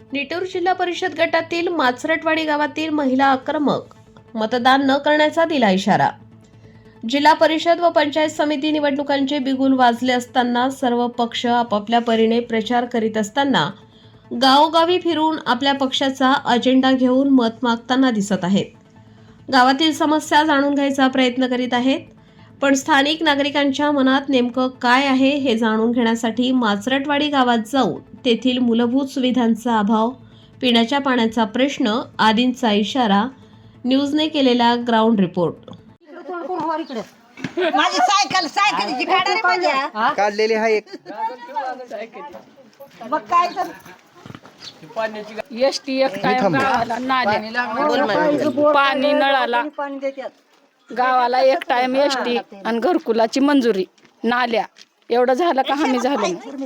निटूर जिल्हा परिषद गटातील माचरटवाडी गावातील महिला आक्रमक मतदान न करण्याचा दिला इशारा। जिल्हा परिषद व पंचायत समिती निवडणुकांचे बिगुल वाजले असताना सर्व पक्ष आपापल्या परीने प्रचार करीत असताना गावोगावी फिरून आपल्या पक्षाचा अजेंडा घेऊन मत मागताना दिसत आहेत। गावातील समस्या जाणून घ्यायचा प्रयत्न करीत आहेत, पण स्थानिक नागरिकांच्या मनात नेमकं काय आहे हे जाणून घेण्यासाठी माचरटवाडी गावात जाऊन तेथील मूलभूत सुविधांचा अभाव, पिण्याच्या पाण्याचा प्रश्न आदींचा इशारा न्यूजने केलेला ग्राउंड रिपोर्ट। माझी सायकलची गाडी रे माझ्या काढलेली आहे एक मग काय तर एसटी एक टाइम गावाला नाल्या पाणी नळाला गावाला एक टाइम एसटी आणि घरकुलाची मंजुरी नाल्या एवढं झालं का हमी झालं।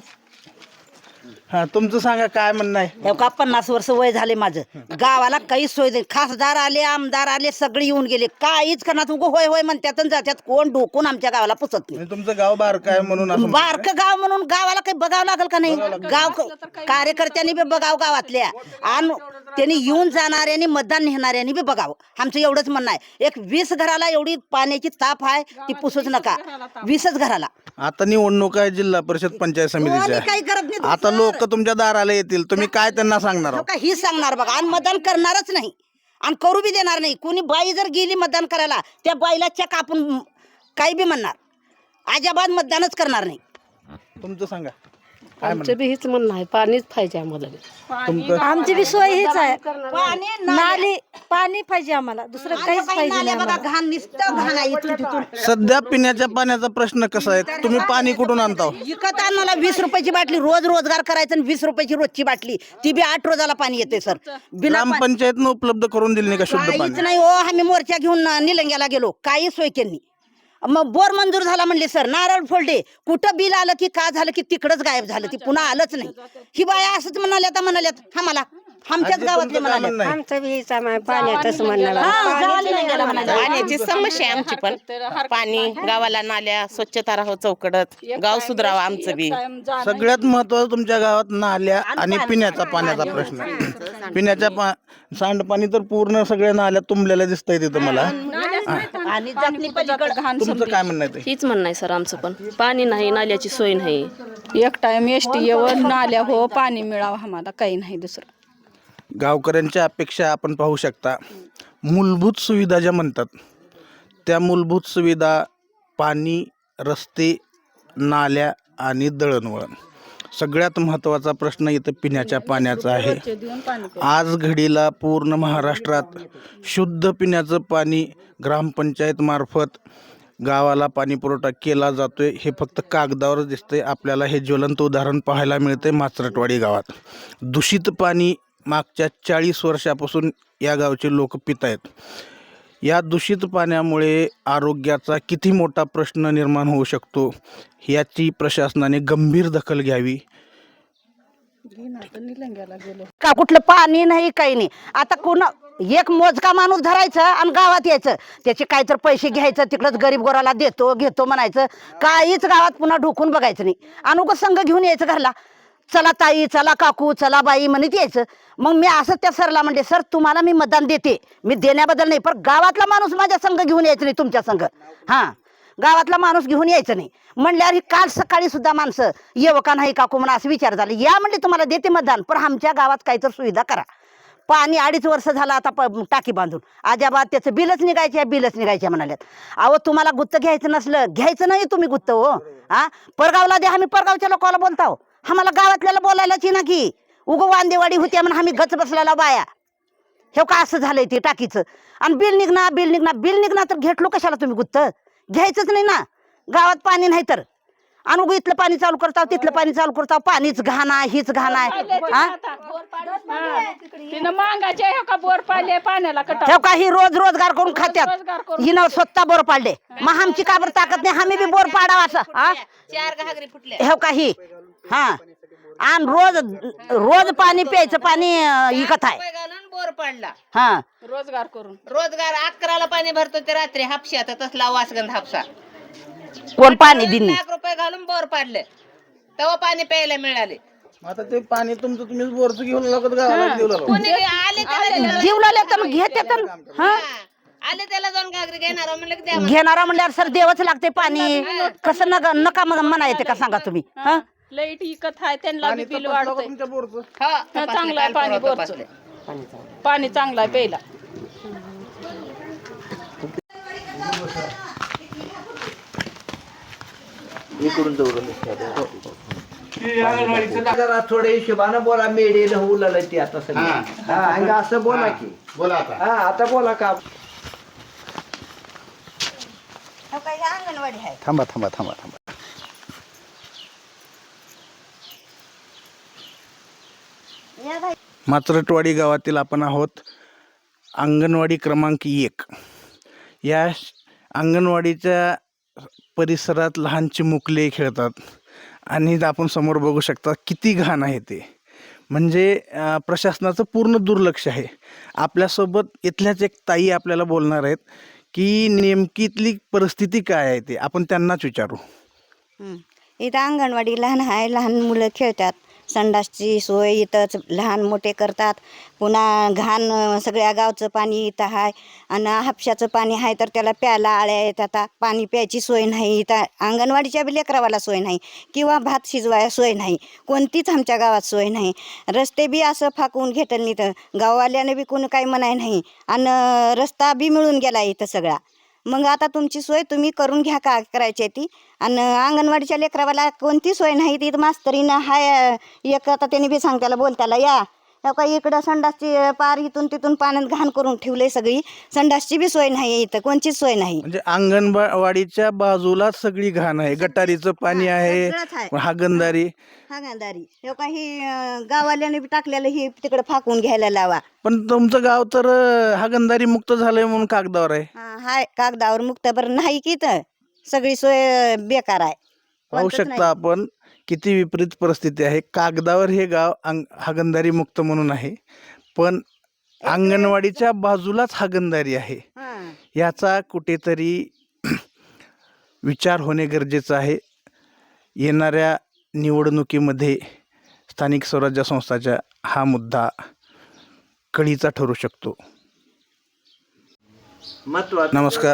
हा तुमचं सांगा काय म्हणणं आहे? का 50 वर्ष वय झाले माझं, गावाला काहीच सोय नाही। खासदार आले, आमदार आले, सगळे येऊन गेले, काहीच करणार तुमको होय होय म्हणतात आणि जात्यात, कोण डोकून आमच्या गावाला पुसत नाही। म्हणजे तुमचं गाव बारकं आहे म्हणून असं बारकं गाव म्हणून गावाला काही बघावं लागेल का नाही? गाव कार्यकर्त्यांनी बी बघावं गावातल्या, आणि त्यांनी येऊन जाणाऱ्यांनी मतदान नेणाऱ्यांनी बी बघावं, आमचं एवढंच म्हणणं आहे। एक 20 घराला एवढी पाण्याची ताप आहे ती पुसूच नका, 20च घराला। आता निवडणूक आहे जिल्हा परिषद पंचायत कोणी समितीच्या, काही करत नाही आता दुसरं. लोक तुमच्या दाराला येतील, तुम्ही काय त्यांना सांगणार आहोत? ही सांगणार बघा, आणि मतदान करणारच नाही आणि करू बी देणार नाही। कोणी बाई जर गेली मतदान करायला, त्या बाईला चेक आपण काही बी म्हणणार, अजिबात मतदानच करणार नाही। तुमचं सांगा आमचं बी हीच म्हणणं आहे, पाणीच पाहिजे आम्हाला। तुमचं आमची बी सोय हीच आहे, पाणी नाली पाणी पाहिजे आम्हाला, दुसरं काहीच पाहिजे नाही बघा, घाण नुसतं घाण आहे इथून तिथून। सध्या पिण्याच्या पाण्याचा प्रश्न कसा आहे? तुम्ही पाणी कुठून आणता? विकत आणायला 20 रुपयाची बाटली, रोज रोजगार करायचं आणि 20 रुपयाची रोजची बाटली, ती बी 8 रोजाला पाणी येते सर। बिना ग्रामपंचायतनं उपलब्ध करून दिली नाही का शुद्ध काहीच पाणी? नाही हो, आम्ही मोर्चा घेऊन निलंग्याला गेलो, काही सोय केली। मग बोर मंजूर झाला म्हणले सर, नारळ फोडले, कुठं बिल आलं की का झालं की तिकडच गायब झालं, ती पुन्हा आलंच नाही। ही बाया असंच म्हणाल्यात आम्हाला, आमच्याच गावातले म्हणाले। आमचं बी हीच आहे, पाण्यातच म्हणणार पाण्याची समस्या आहे आमची, पण पाणी गावाला नाल्या स्वच्छता राहावं, चौकडत गाव सुधरावं आमचं बी। सगळ्यात महत्वाचं तुमच्या गावात नाल्या आणि पिण्याचा पाण्याचा प्रश्न आहे। पिण्याच्या सांडपाणी तर पूर्ण सगळ्या नाल्या तुंबलेल्या दिसतंय तिथं मला। आणि जातनी पलीकडे तुमचं काय म्हणणं आहे ते? हीच म्हणणं आहे सर आमचं, पण पाणी नाही, नाल्याची सोय नाही। एक टाइम एसटी येऊन नाल्या हो, पाणी मिळावं आम्हाला, काही नाही दुसरं। गावकऱ्यांच्या अपेक्षा आपण पाहू शकता। मूलभूत सुविधा ज्या म्हणतात त्या मूलभूत सुविधा पाणी, रस्ते, नाल्या आणि दळणवळण, सगळ्यात महत्त्वाचा प्रश्न इथं पिण्याच्या पाण्याचा आहे। आज घडीला पूर्ण महाराष्ट्रात शुद्ध पिण्याचं पाणी ग्रामपंचायत मार्फत गावाला पाणी पुरवठा केला जातोय, हे फक्त कागदावरच दिसतंय। आपल्याला हे ज्वलंत उदाहरण पाहायला मिळते माचरटवाडी गावात। दूषित पाणी मागच्या 40 वर्षापासून या गावचे लोक पित आहेत। या दूषित पाण्यामुळे आरोग्याचा किती मोठा प्रश्न निर्माण होऊ शकतो याची प्रशासनाने गंभीर दखल घ्यावी। का कुठलं पाणी नाही, काही नाही। आता कोण एक मोजका माणूस धरायचं आणि गावात यायचं, त्याचे काय तर पैसे घ्यायचं, तिकडच गरीब गोराला घेतो म्हणायचं, काहीच गावात पुन्हा ढोकून बघायचं नाही। अनुग संघ घेऊन यायचं घरला, चला ताई, चला काकू, चला बाई म्हणत यायचं। मग मी असं त्या सरला म्हणले, सर तुम्हाला मी मतदान देते, मी देण्याबद्दल नाही, पण गावातला माणूस माझ्या संघ घेऊन यायचं नाही, तुमच्या संघ गावातला माणूस घेऊन यायचं नाही म्हणल्यावर काल सकाळी सुद्धा माणसं येव का नाही काकू म्हणून असं विचार झाले, या म्हणले तुम्हाला देते मतदान, पण आमच्या गावात काहीतरी सुविधा करा। पाणी 2.5 वर्ष झालं आता टाकी बांधून, अजाबात त्याचं बिलच निघायचे म्हणाल्यात। अहो तुम्हाला गुत्त घ्यायचं नसलं, घ्यायचं नाही तुम्ही गुत्त हो, परगावला द्या, आम्ही परगावच्या लोकांना बोलताव, आम्हाला गावातल्याला बोलायलाच ना की उगो वांदेवाडी होत्या म्हणून आम्ही गच बसलेला बाया। हे का असं झालंय ते टाकीचं, आणि बिल निघणार तर घेतलो कशाला तुम्ही गुत्त? घ्यायचंच नाही ना, गावात पाणी नाही तर आणि इथलं पाणी चालू करताव, तिथलं पाणी चालू करताव, पाणीच घाण आहे, हीच घाण आहे। ही रोजगार करून खात्यात, हिनं स्वतः बोर पाडले, मग आमची काबर ताकद नाही, आम्ही बी बोर पाडावा असं। हे काही आणि रोज पाणी प्यायचं पाणी विकत आहे, बोर पाडला रोजगार करून रोजगार 11ला पाणी भरतो ते रात्री हापशात, तसला वासगंध हापसा कोण पाणी दिन ₹1 लाख घालून बोर पाडले, तेव्हा पाणी प्यायला मिळाले। आता ते पाणी तुमचं तुम्हीच बोरचं घेऊन लागत गावाला घेऊन लागलो. जीव लावले तर घेते तर हा आले त्याला जाऊन घागरी घेणार म्हणलं की द्या. घेणारा म्हणल्यावर सर देवच लागते पाणी कसं नका मग म्हणायचे का सांगा तुम्ही हा लाईट इकत आहे त्यांना पाणी बी बिल तपासलं का वाढतंय. तुमच्या बोरचं? हा, चांगलं आहे पाणी बोरचं. पाणी चांगलं आहे प्यायला. जरा थोडे हिशोबानं बोला मेडीन उलाल ती आता सगळं हा आणि असं बोला की बोला आता. हा आता बोला का अंगणवाडी आहे थांबा थांबा थांबा थांबा. माचरटवाडी गावातील आपण आहोत. अंगणवाडी क्रमांक 1. या अंगणवाडीच्या परिसरात लहान चिमुकले खेळतात आणि आपण समोर बघू शकता किती घाण आहे ते. म्हणजे प्रशासनाचं पूर्ण दुर्लक्ष आहे. आपल्यासोबत इथल्याच एक ताई आपल्याला बोलणार आहेत की नेमकी इथली परिस्थिती काय आहे ते आपण त्यांनाच विचारू. इथं अंगणवाडी लहान आहे, लहान मुलं खेळतात. संडासची सोय इथंच लहान मोठे करतात. पुन्हा घाण सगळ्या गावचं पाणी इथं आहे आणि हापशाचं पाणी आहे तर त्याला प्यायला आळ्या येतात. पाणी प्यायची सोय नाही इथं. अंगणवाडीच्या बी लेकरावाला सोय नाही किंवा भात शिजवायला सोय नाही. कोणतीच आमच्या गावात सोय नाही. रस्ते बी असं फाकवून घेतलं नाही तर गाववाल्याने बी कोणी काही म्हणाय नाही आणि रस्ता बी मिळून गेला इथं सगळा. मग आता तुमची सोय तुम्ही करून घ्या का करायची ती. आणि अंगणवाडीच्या लेकरावाला कोणती सोय नाही. तिथं मास्तरीनं हाय एक आता त्यांनी बी सांगताला बोलताला या का इकडं संडासची पार इथून तिथून पाण्यात घाण करून ठेवले सगळी. संडासची बी सोय नाही इथं कोणचीच सोय नाही. म्हणजे अंगणवाडीच्या बाजूला सगळी घाण आहे. गटारीचं पाणी आहे, सगळंच आहे. हागणदारी. हागणदारी हे काही गाववाल्याने बी टाकलेलं ही तिकडे फाकून घ्यायला लावा. पण तुमचं गाव तर हागणदारी मुक्त झालंय म्हणून कागदावर आहे. हाय कागदावर मुक्त बरं नाही की तर सगळी सोय बेकार आहे. पाहू शकता आपण किती विपरीत परिस्थिती आहे. कागदावर हे गाव हागणदारी मुक्त म्हणून आहे पण अंगणवाडीच्या बाजूलाच हागणदारी आहे. याचा कुठेतरी विचार होणे गरजेचं आहे. येणाऱ्या निवडणुकीमध्ये स्थानिक स्वराज्य संस्थाच्या हा मुद्दा कळीचा ठरू शकतो. नमस्कार.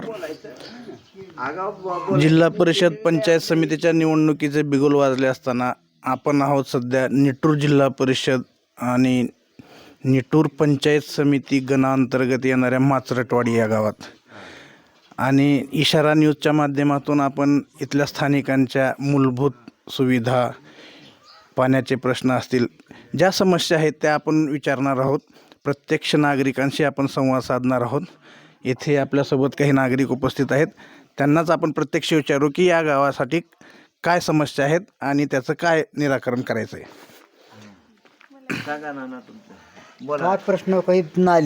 जिल्हा परिषद पंचायत समितीच्या निवडणुकीचे बिगुल वाजले असताना आपण आहोत सध्या निटूर जिल्हा परिषद आणि निटूर पंचायत समिती गणांतर्गत येणाऱ्या माचरटवाडी या गावात. आणि इशारा न्यूजच्या माध्यमातून आपण इथल्या स्थानिकांच्या मूलभूत सुविधा, पाण्याचे प्रश्न असतील, ज्या समस्या आहेत त्या आपण विचारणार आहोत. प्रत्यक्ष नागरिकांशी आपण संवाद साधणार आहोत. येथे आपल्यासोबत काही नागरिक उपस्थित आहेत. त्यांनाच आपण प्रत्यक्ष विचारू की या गावासाठी काय समस्या आहेत आणि त्याचं काय निराकरण करायचं आहे. सांगा ना तुमचं काय प्रश्न काही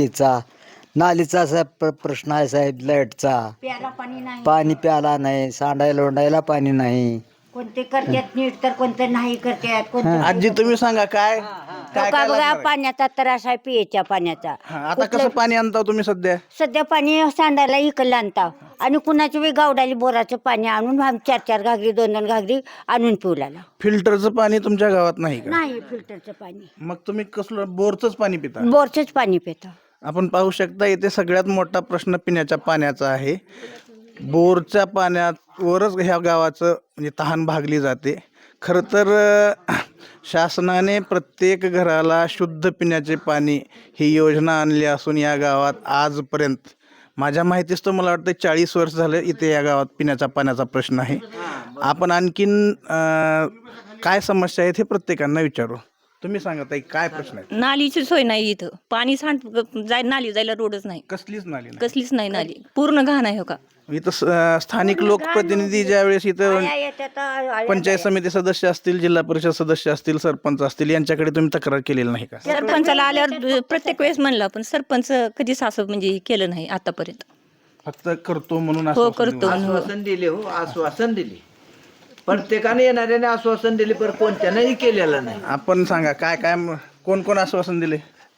नालीचा साहेब प्रश्न आहे साहेब. लाईटचा पाणी प्यायला नाही, सांडायला लोंडायला पाणी नाही. कोणते करतात नीट तर कोणते नाही करतात. आजी तुम्ही सांगा काय काय काय बघा लागणार आहे? पाण्याचा त्रास आहे पियाच्या पाण्याचा. आता कसं पाणी आणता तुम्ही सध्या? सध्या पाणी सांडायला इकडलं आणता आणि कुणाच्या बी गावडाली बोराचं पाणी आणून 4-4 घागरी 2-2 घागरी आणून पिवलाला. फिल्टरचं पाणी तुमच्या गावात नाही का? नाही फिल्टरचं पाणी, मग तुम्ही कसलं बोरचंच पाणी पिता? बोरचंच पाणी पितो. आपण पाहू शकता इथे सगळ्यात मोठा प्रश्न पिण्याच्या पाण्याचा आहे. बोरच्या पाण्यावरच ह्या गावाचं म्हणजे तहान भागली जाते. खरं तर शासनाने प्रत्येक घराला शुद्ध पिण्याचे पाणी ही योजना आणली असून या गावात आजपर्यंत माझ्या माहितीच तर मला वाटतं 40 वर्ष झाले इथे या गावात पिण्याच्या पाण्याचा प्रश्न आहे. आपण आणखीन काय समस्या आहेत हे प्रत्येकांना विचारू. तुम्ही सांगा ताई काय प्रश्न आहे? नालीची सोय नाही इथं. पाणी नाली जायला रोडच नाही. कसलीच नाली नाही. कसलीच नाही नाली. पूर्ण घाण आहे हो का. इथं स्थानिक लोकप्रतिनिधी ज्यावेळेस इथं पंचायत समिती सदस्य असतील, जिल्हा परिषद सदस्य असतील, सरपंच असतील, यांच्याकडे तुम्ही तक्रार केलेली नाही का? सरपंचाला आल्यावर प्रत्येक वेळेस म्हणलं पण सरपंच कधीच असं म्हणजे केलं नाही आतापर्यंत. फक्त करतो म्हणून हो करतो. आश्वासन दिले हो आश्वासन दिले. प्रत्येकाने येणाऱ्याने आश्वासन दिले पण कोणत्यानेही केलेलं नाही. आपण सांगा काय काय कोण कोण आश्वासन दिले?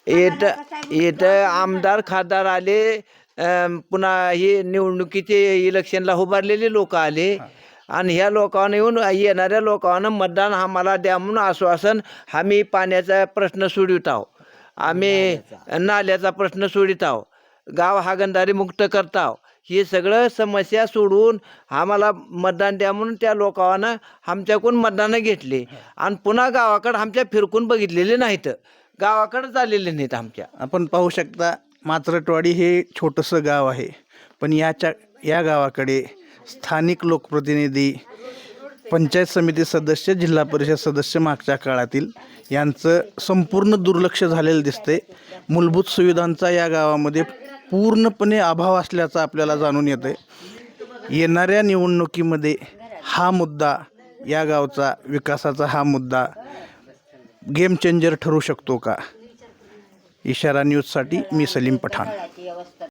येत आमदार खासदार आले, पुन्हा हे निवडणुकीचे इलेक्शनला उभारलेले लोक आले आणि ह्या लोकांना येणाऱ्या लोकांना मतदान आम्हाला द्या म्हणून आश्वासन आम्ही पाण्याचा प्रश्न सोडवित आहोत, आम्ही नाल्याचा प्रश्न सोडित आहोत, गाव हागणदारी मुक्त करत आहोत. हे सगळं समस्या सोडवून आम्हाला मतदान द्या म्हणून त्या लोकांना आमच्याकडून मतदानं घेतले आणि पुन्हा गावाकडं आमच्या फिरकून बघितलेले नाहीत, गावाकडं चाललेले नाहीत आमच्या. आपण पाहू शकता माचरटवाडी हे छोटंसं गाव आहे, पण या गावाकडे स्थानिक लोकप्रतिनिधी, पंचायत समिती सदस्य, जिल्हा परिषद सदस्य मागच्या काळातील यांचं संपूर्ण दुर्लक्ष झालेलं दिसते. मूलभूत सुविधांचा या गावामध्ये पूर्णपणे अभाव असल्याचं आपल्याला जाणून येते. येणाऱ्या निवडणुकीमध्ये हा मुद्दा, या गावचा विकासाचा हा मुद्दा गेम चेंजर ठरू शकतो का? इशारा न्यूजसाठी मी सलीम पठाण.